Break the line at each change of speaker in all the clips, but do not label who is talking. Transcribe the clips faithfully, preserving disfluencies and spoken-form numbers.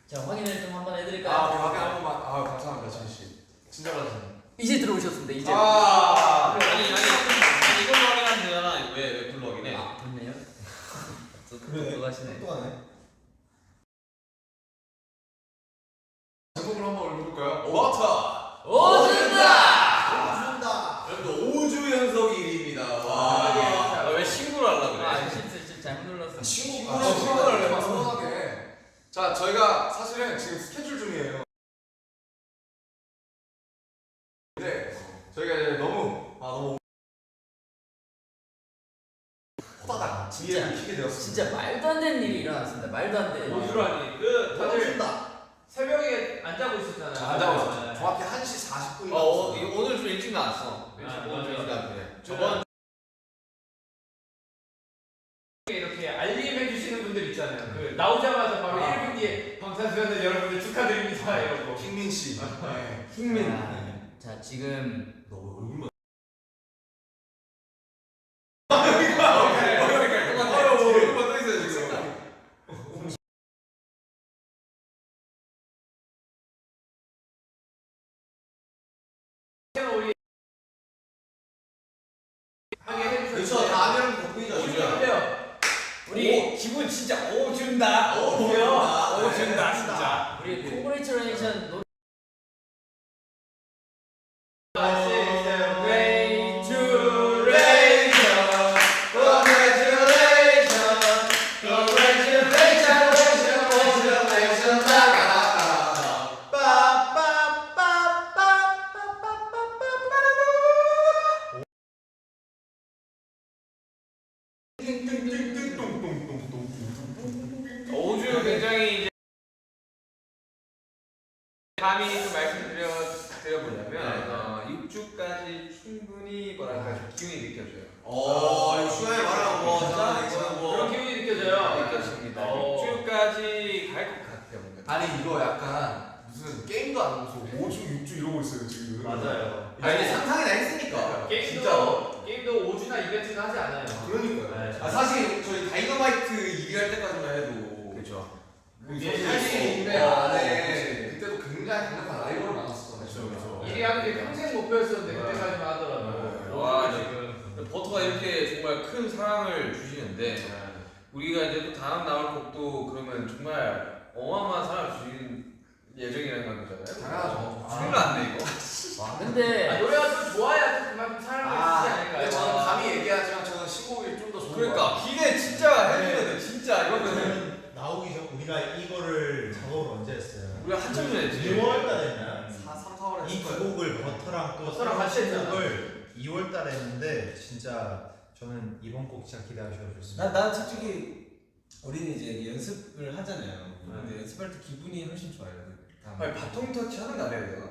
자, 확인을 좀 한번 해드릴까요?
아, 오케이, 확인 한 번만. 아, 감사합니다, 진희 씨. 친절하시네.
이제 들어오셨습니다. 이제.
아,
아니 아니 아니 이걸로 확인하면 되잖아. 왜왜 불러 확인해?
아, 좋네요.
그래.
들어가시네.
또 하네.
제목을 한번 읽어볼까요? 워터!
오준다!
준다.
여러분 오 주 연속 일 위입니다. 와.
아, 왜 신고를 하려고 그래?
아, 실수, 실수 잘못 눌렀어.
친구,
아,
친구를
친구를
내가
내가
서운하게. 자, 저희가 사실은 지금 스케줄 중이에요. 근데 저희가 이제 너무, 아, 너무 호다닥
진짜,
뒤에 키게 되었습니다.
진짜 말도 안 되는 일이 일어났습니다. 말도 안 돼.
오주라니. 그 다들
준다.
새벽에 안 자고 있었잖아요.
안 자고 있었죠. 정확히 한 시 사십 분이
어, 어 이거 오늘 좀 일찍 나왔어.
아,
일찍
맞아,
오늘 좀 일찍
맞아.
나왔네. 저번
이렇게 알림해 주시는 분들 있잖아요. 그 나오자마자 바로
아.
일 분 뒤에 방탄소년단 여러분들 축하드립니다. 이러고.
킹민 씨. 네.
킹민.
아, 자, 지금
너 얼굴만. 얼굴만 떠 있어요 지금.
우리 하게 해주셨어요.
그렇죠. 다음에는 덕분이죠.
오주요.
우리 기분 진짜 오준다.
오준다.
오준다 진짜.
우리 콩그레이처레이션 노
오주 굉장히 이제 감히 좀 말씀드려 드려보려면 어, 육 주까지 충분히 뭐랄까 좀 기운이 느껴져요.
어, 이거 시간에 말하면 뭐 진짜 이거는 뭐.
그런 기분이 느껴져요.
느껴집니다.
어.
육 주까지 갈 것 같아요. 뭔가.
아니, 이거 약간 무슨 게임도 안 하면서 오 주, 육 주 이러고 있어요, 지금.
맞아요.
아 이게 상상이나 했으니까.
게임도
진짜로.
게임도 오주나 이벤트는 하지 않아요.
그러니까요.
네.
아 사실 저희 다이너마이트 일 위 할 때까지만 해도.
그렇죠.
그게
할 수 있는데
어,
안에.
그때도 굉장히 강력한 라이벌을 만났었잖아요.
그렇죠, 그렇죠.
일 위 하는 게 평생 목표였었는데 그때까지만 하더라도.
와,
지금.
버터가 이렇게 정말 큰 사랑을 주시는데 우리가 이제 또 다음 나올 곡도 그러면 정말 어마어마한 사랑을 주시는 예정이라는 건 거잖아요.
당연하죠.
큰일 났네 이거.
와,
아,
근데
노래가 좀 좋아야 또 그만큼 사랑을 주지
근데
않을까요?
저는 감히 얘기하지만 저는 신곡이 좀 더 좋은 것
그러니까
같아요.
기대 진짜 해줘야 돼 진짜 이거는
저는 나오기 전 우리가 이거를 작업을 언제 했어요?
우리가 한참 전에 했지.
이월 달에 했나?
사, 삼, 사월에
이 두 곡을 버터랑 또
버터랑 같이 했잖아.
곡을 이월 달에 했는데 진짜 저는 이번 곡 진짜 기대하셔도 좋습니다.
난, 난 솔직히 우리는 이제 연습을 하잖아요. 근데 연습할 때 기분이 훨씬 좋아요. 다음.
아니 바통 터치 하는 거 안 해야 되나?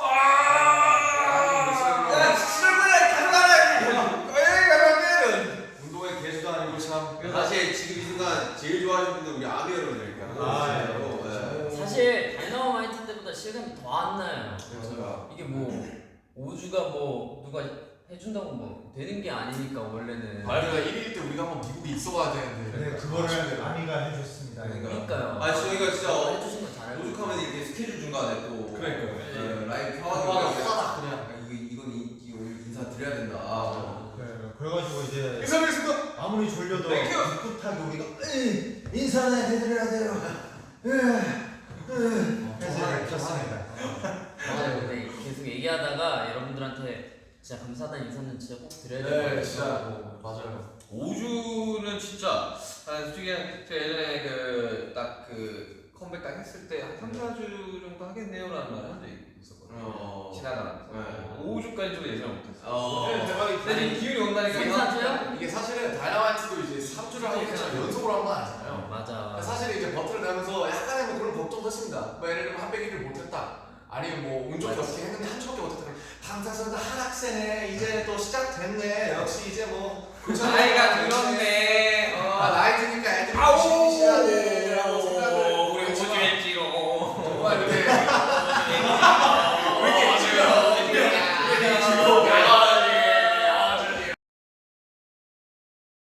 야,
친구들 가져가라. 에이 가져가면.
운동의 개수도 아니고 참.
사실 지금 이 순간 제일 좋아하시는 분들 우리 아미 여러분들이니까.
아,
진짜로. 네.
사실 다이너마이트 때보다 실감이 더 안 나요.
그렇죠.
이게 뭐 오 주가 뭐 누가 해준다고 뭐 되는 게 아니니까 원래는.
우리가 일 위일 때 우리가 한번 미국에 있어봐야 되는데.
근데 그거를 아미가 해줬습니다.
그러니까요.
아 저희가 진짜
해주신 건 잘해요.
오죽하면 이렇게 스케줄 중간에 또.
그러니까요.
네, 라이브
아,
켜가지고.
호다닥 그냥.
아, 이거 이건 이, 이거 인사 드려야 된다. 아,
그래, 그래가지고 이제
인사드리겠습니다.
아무리 졸려도
땡큐.
꿋꿋하게 우리가 으이, 인사는 해드려야 돼요. 으, 으. 그래서 이렇게 켰습니다.
맞아요. 근데 계속 얘기하다가 여러분들한테 진짜 감사하다는 인사는 진짜 꼭 드려야 될 것
네,
같아요.
진짜. 맞아요.
오주는 진짜 아, 솔직히 제가 예전에 그 딱 그 컴백 딱 했을 때 한 삼, 사 주 정도 하겠네요라는 말을 한 적이 있었거든요.
어.
지나가면서
네.
오주까지 좀 예상 못했어요.
어.
네, 대박이다.
근데 지금 기운이 온다니까
삼사주요?
이게 사실은 다이너마이트도 이제 삼 주를 하기 전에 연속으로 한 건 아니잖아요.
맞아.
사실 이제 버튼을 내면서 약간의 뭐 그런 걱정도 했습니다. 뭐 예를 들면 한 백일을 못했다. 아니면 뭐 운 좋게 어떻게 했는데 한 주밖에 못했다. 그럼 방탄소년단 하락세네. 이제 또 시작됐네. 역시 이제 뭐
나이가 들었네. 어.
아 나이 드니까 애들이
아우.
열심히 쉬어야 돼라고 생각을
우리
했지만
오주했지롱.
정말 이렇게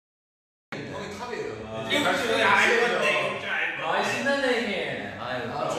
형이 탑이에요.
아, 신나네 형님. 아유.
아,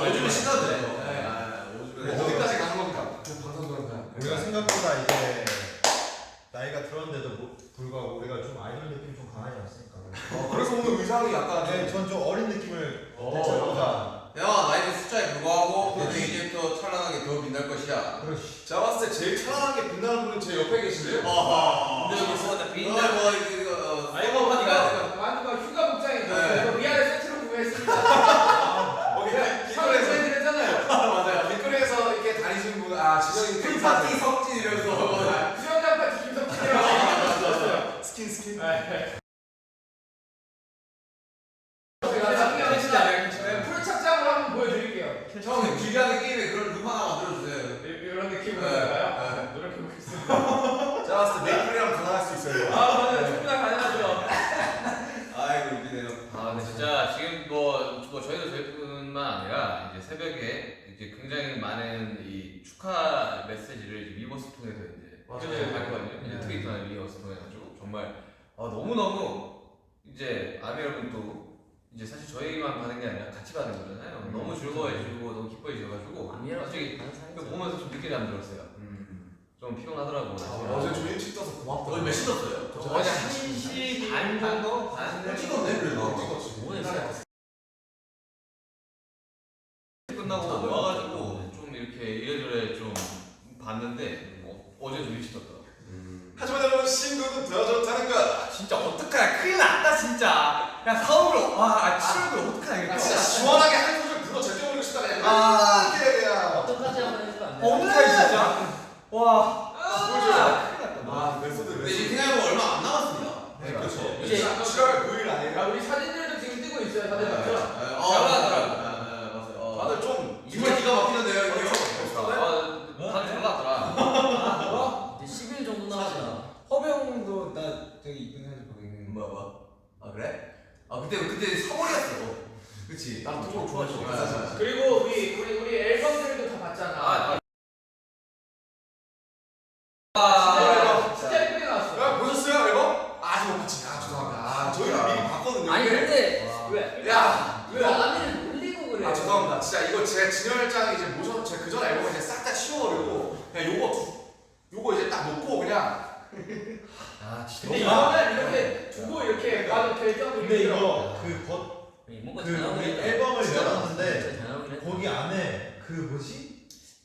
옆에 계신데요?
어.
근데 여기 뭐가
어,
빈다.
뭐 이거 어,
아이고
서버파티가
만두가 휴가 복장이
네.
있어요. 미안해 세트로 구매했습니다.
거기
사실
길거리에서
해드렸잖아요.
맞아요. 길거리에서 이렇게 다니시는 분, 아 진영이
스킨 파티 석진 이러면서
수영장 파티 김석진이라고
스킨 스킨.
제가 나중에 진짜 프로 착장을 한번 보여드릴게요.
형 길가는 게임에 그런 룸 하나 만들어주세요.
이- 이런 느낌으로
네.
할까요? 노력해보겠습니다.
제가 봤을 때 메이플이랑 가능할 수 있어요.
아 맞아요. 충분히 가능하죠.
아이고 웃기네요.
아, 근데 진짜 지금 뭐, 뭐 저희도 저희뿐만 아니라 이제 새벽에 이제 굉장히 많은 이 축하 메시지를 이제 위버스 통해서 이제
맞아요.
표현을 했거든요. 이제
네.
트위터나 위버스 통해가지고 정말 아, 너무 너무 이제 아미 여러분도 이제 사실 저희만 받는 게 아니라 같이 받는 거잖아요.
음,
너무 즐거워해주고 너무 기뻐해줘가지고
아미랑
솔직히
다른 사람이
그 보면서 좀 늦게 잠들었어요.
음.
좀 피곤하더라고.
아, 어제 좀 일찍 떠서 고맙다.
어제 몇 시 떴어요?
저
어제
한
한 시 반 정도? 반
찍었네 그래도.
찍었지.
오늘 진짜
끝나고 와가지고 좀 이렇게 이래저래 좀 봤는데 어, 어제 좀 일찍 떴더라고.
하지만 여러분 신곡은 더 좋다는 거.
진짜 어떡하냐 큰일 났다 진짜. 야 서울로 와 칠월을 어떡하냐
아,
이거.
진짜 시원하게 한 소절 불러 제껴버리고 싶다 그냥.
아.
이렇게 그냥.
어떡하지 한번 해주면 안 돼요?
어떡해 진짜. 와.
보여줘요.
큰일 났다.
아 메소드
근데
메소드.
지금 생각해보면 얼마 안 남았습니다.
네 그렇죠.
이제
이제 칠월 구일 아니에요?
야 우리 사진들도 지금 뜨고 있어요. 다들 봤죠?
어,
잘하더라고.
맞아요. 어.
다들 좀
정말 기가 막히는데요 이게.
아, 다잘 나왔더라.
이제 십 일 정도 남았잖아.
허병도 나 되게 이쁜 사진 보고 있는.
뭐야 뭐? 아 그래? 아 그때 그때 서울이었어. 그치?
난 통으로 좋아하지.
아, 아, 아.
그리고 우리 우리 우리 앨범들도 다 봤잖아.
아,
진짜 진짜 예쁘게 나왔어.
야 보셨어요 앨범? 아직 못 봤지. 아 죄송합니다. 아 저희는 미리 봤거든요.
아니 근데
왜?
야.
왜 아미를 놀리고 그래?
아 죄송합니다. 진짜 이거 제 진열장에 이제 모셔 제 그전 앨범을 이제 싹 다 치워버리고 그냥 요거 두, 요거 이제 딱 놓고 그냥.
아 진짜.
근데 이거는 이렇게 두고 이렇게 봐도 될 정도로
근데
힘들어.
이거 그 버,
뭔가
그
전화오긴
우리
했다.
앨범을
진짜
열었는데
진짜 전화오긴 했다.
거기 안에 그 뭐지?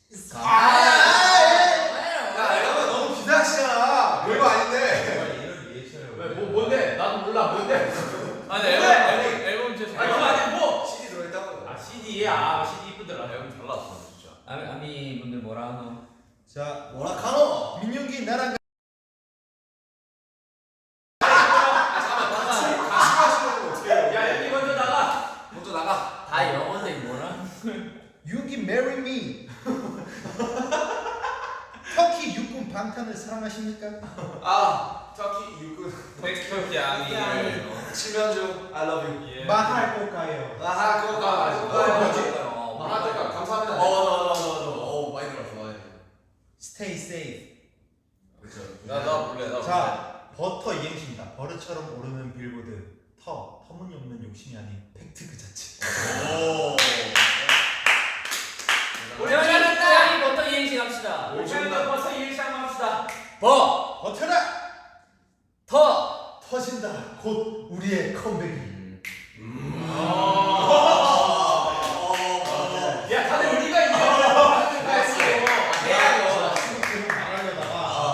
야 앨범은 너무 비상시잖아. 별거 아닌데.
정말 이런 리액션을
왜, 뭐, 뭔데? 나도 몰라. 뭔데?
아니 앨범 앨범 앨범 진짜
아니,
잘
그거
나왔어.
아니 뭐?
씨디 들어있다고.
아, 씨디야. 아, 씨디 이쁘더라.
앨범 잘 나왔어 진짜.
아미 아미 분들 뭐라 하노?
자
뭐라 카노?
민윤기 나랑
가시하시는 거 어떻게 해요?
야, 여기 먼저 나가.
먼저 나가.
다 영어인데 뭐라?
윤기 marry me. 터키 육군 방탄을 사랑하십니까?
아 터키 육군
백현기 아미를.
칠면조 I love you.
예.
말할 거가요.
아하 그거 가.
아,
그거
그거
가.
뭐지?
어, 문화대가 감사합니다.
어 맞아 맞아 맞아. 어 많이 들었어 많이.
Stay safe.
그렇죠.
나나 볼래 나.
자 버터 이행시입니다. 버릇처럼 오르는 빌보드. 터 터무니없는 욕심이 아닌 팩트 그 자체.
오.
우리
저희
잘했다.
저희 버터 이행시 갑시다.
우리 팬들 벌써 일시 한번 합시다.
버,
버텨라.
터,
터진다. 곧 우리의 컴백이.
음.
야, 다들 우리가 이제 하는 거였어.
해야죠.
지금 나가려다가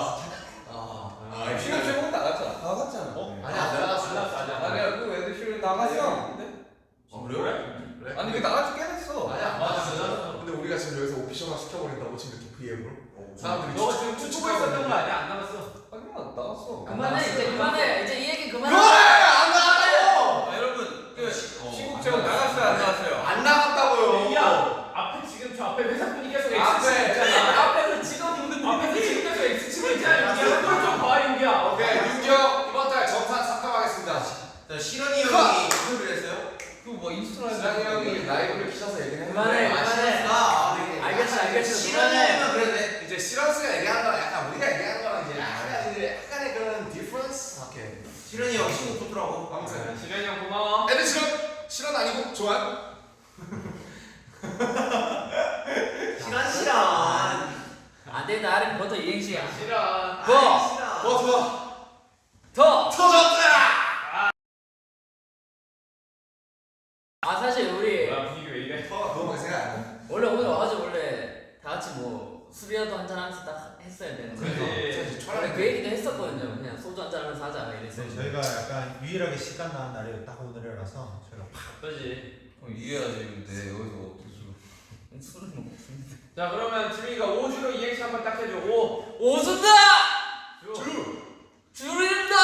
아.
지금 최고 나갔잖아.
나갔잖아.
어?
아니야 안 나갔어.
아니야 그 애들 실은 나갔어.
아 그래요?
그래?
아니 그 나갈 꽤 됐어.
아니야.
맞아.
근데 우리가 지금 여기서 오피셜화 시켜버린다고 지금 또 브이엠으로 사람들이
너 지금 춤추고 있었던 거 아니야? 안 남았어.
하지만 나갔어.
그만해 이제 그만해 이제 이 얘기 그만해.
안 나갔다고!
아, 여러분 그 시국제국 나갔어요 안 나갔어요?
안 나갔다고요.
야, 앞에 지금 저 앞에 회사분이 계속 X
앞에.
치고 있잖아. 앞에서 지금 앞에서 지금 계속 X 치고 있잖아. 윤기야, 그걸 좀 봐, 윤기야.
오케이 윤경 이번 달 정산 삭감하겠습니다.
자 실현이 형이 인터뷰를 했어요?
그뭐 인스타그램
지상이 형이 라이브를 키셔서 얘기를
그만해,
했는데
그만해.
아 네.
알겠어, 알겠어.
실현이면 그러네.
이제 시런스가 얘기하는 거랑 약간 우리가 얘기하는 거랑 이제 약간 이제 약간의 그런 디퍼런스. 오케이.
실현이 형 신곡 좋더라고.
아무튼
지련이 형 고마워.
애들 실은 실은 아니고 조한.
실현 실현.
안돼 나는 버터 이행시야.
싫어.
버,
아,
어 좋아.
터.
터졌다.
아 사실 우리
뭐야, 분위기 왜 이래?
터가 너무 생각 안 나.
원래 오늘 와가지고 원래 다 같이 뭐 술이라도 한잔 하면서 딱 했어야 되는 거예요.
그치.
사실
원래
촬영
그 얘기도 했었거든요. 그냥 소주 한잔 하면서 하자 이랬어요.
네, 저희가 약간 유일하게 시간 나는 날이 딱 오늘이라서 저희가
그지.
어, 이해해야지 근데 여기서 어떻게 술
술은 먹습니다.
자 그러면 지민이가 오 주로 이행시 한번 딱 해줘. 오.
오순다!
주.
주른다!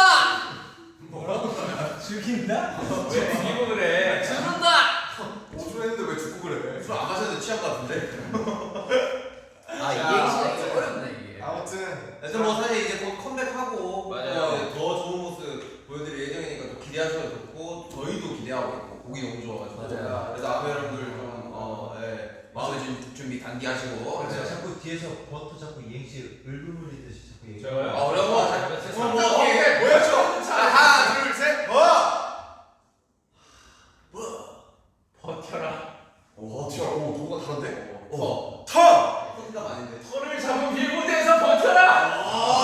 죽인다?
왜 죽이고 그래?
주른다!
오주 했는데 왜 죽고 그래?
술 안 마셔도 취한 것 같은데.
아 이행시가 이거 어렵네 이게.
아무튼
하여튼 뭐 사실 이제 곧 컴백하고
맞아요.
어, 이제 더 좋은 모습 보여드릴 예정이니까 또 기대하셔도 좋고 저희도 기대하고 있고 곡이 너무 좋아가지고
맞아요.
그래서 아무 여러분들 좀 어, 예, 마음의 준- 준비 단디 하시고
그래서
네.
자꾸 뒤에서 버터 자꾸 이행시 을루물이듯이 자꾸 얘기.
저요?
아 어려운 거 잘-
뭐 뭐 이게 뭐였죠? 자 하나 둘 셋. 어.
버텨라.
오, 진짜 오 누가 다른데?
어.
터.
컨셉 아닌데.
털을 잡은 빌보드에서 버텨라.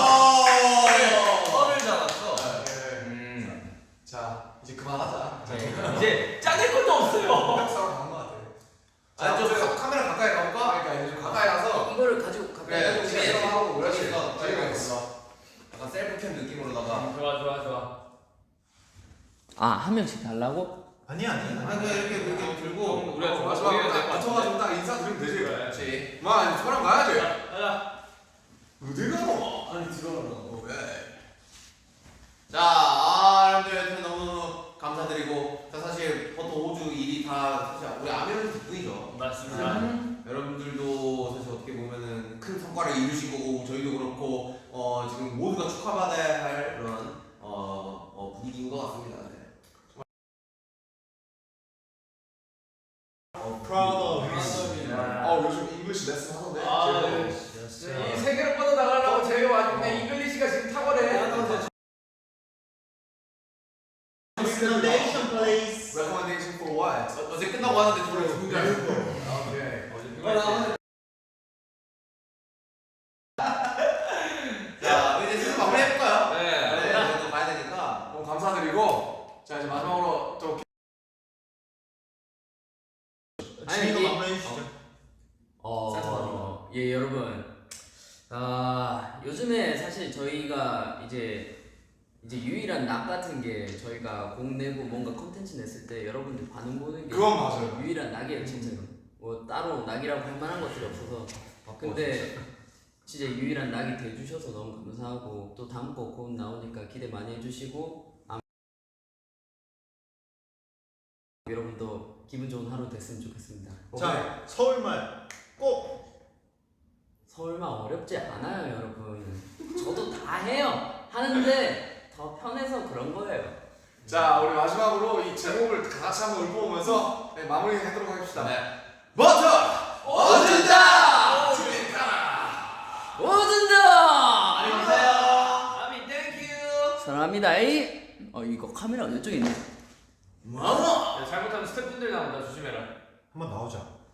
털을 잡았어.
네.
음.
자 이제 그만하자.
이제 짜낼 것도 없어요.
역사로 가는 것 같아.
아, 좀 카- 카메라 가까이 가볼까?
그러니까 이제 좀 가까이 가서
이거를 가지고 가까이
그래,
가지고
그래.
시간 하고 그렇지.
그러니까.
재미가 있어.
약간 셀프캠 느낌으로다가.
좋아 좋아 좋아.
아 한 명씩 달라고?
아니 아니
아니
아니.
그냥 이렇게 이렇게 들고
우리가 좀
마지막에
보여야 될것
딱
같은데.
붙어가지고 딱 인사드리면 되지.
그렇지.
마 이제 저랑 가야지.
가자.
어디 가노?
아니 들어가라고. 왜? 자, 아, 여러분들 여튼 너무너무 감사드리고 자, 사실 버터 오 주 일이 다 사실 우리 아미런 덕분이죠.
맞습니다.
여러분들도 사실 어떻게 보면은 큰 성과를 이루신 거고 저희도 그렇고 어, 지금 모두가 축하받아야 할 그런 어, 어, 분위기인 것 같습니다. 네.
어,
Proud of you.
어 요즘 잉글리시 레슨 하던데.
아,
제가.
네.
Yes,
이
sir.
세계로 뻗어나가려고 제가 왔는데 잉글리시가 지금 탁월해.
Recommendation, please.
Recommendation for what?
어, 어제 끝나고 왔는데 둘이 죽은 줄 알았어.
오케이.
어제
어, 나 자, 이제 슬슬 마무리 해볼까요?
네.
네, 이제 또 가야 되니까.
너무 감사드리고 자 이제 마지막으로 또
지민이가
이게-
마무리해 주시죠.
어, 예 여러분, 아 요즘에 사실 저희가 이제 이제 유일한 낙 같은 게 저희가 곡 내고 뭔가 컨텐츠 냈을 때 여러분들 반응 보는 게
그건 맞아요.
유일한 낙이에요 진짜로. 뭐 따로 낙이라고 할 만한 것들이 없어서. 근데 진짜 유일한 낙이 돼주셔서 너무 감사하고 또 다음 곡 곧 나오니까 기대 많이 해주시고 아마 여러분도 기분 좋은 하루 됐으면 좋겠습니다.
자, 서울말 꼭.
서울말 어렵지 않아요 여러분. 저도 다 해요. 하는데 더 편해서 그런 거예요.
자 우리 마지막으로 이 제목을 다 같이 한번 읊어보면서 네, 마무리하도록 하겠습니다.
네.
버터
어준다!
오준다!
안녕히 계세요.
아미 땡큐.
사랑합니다. 에이. 어 이거 카메라 이쪽에 있네.
마마!
잘못하면 스태프분들 나온다 조심해라.
한번 나오자.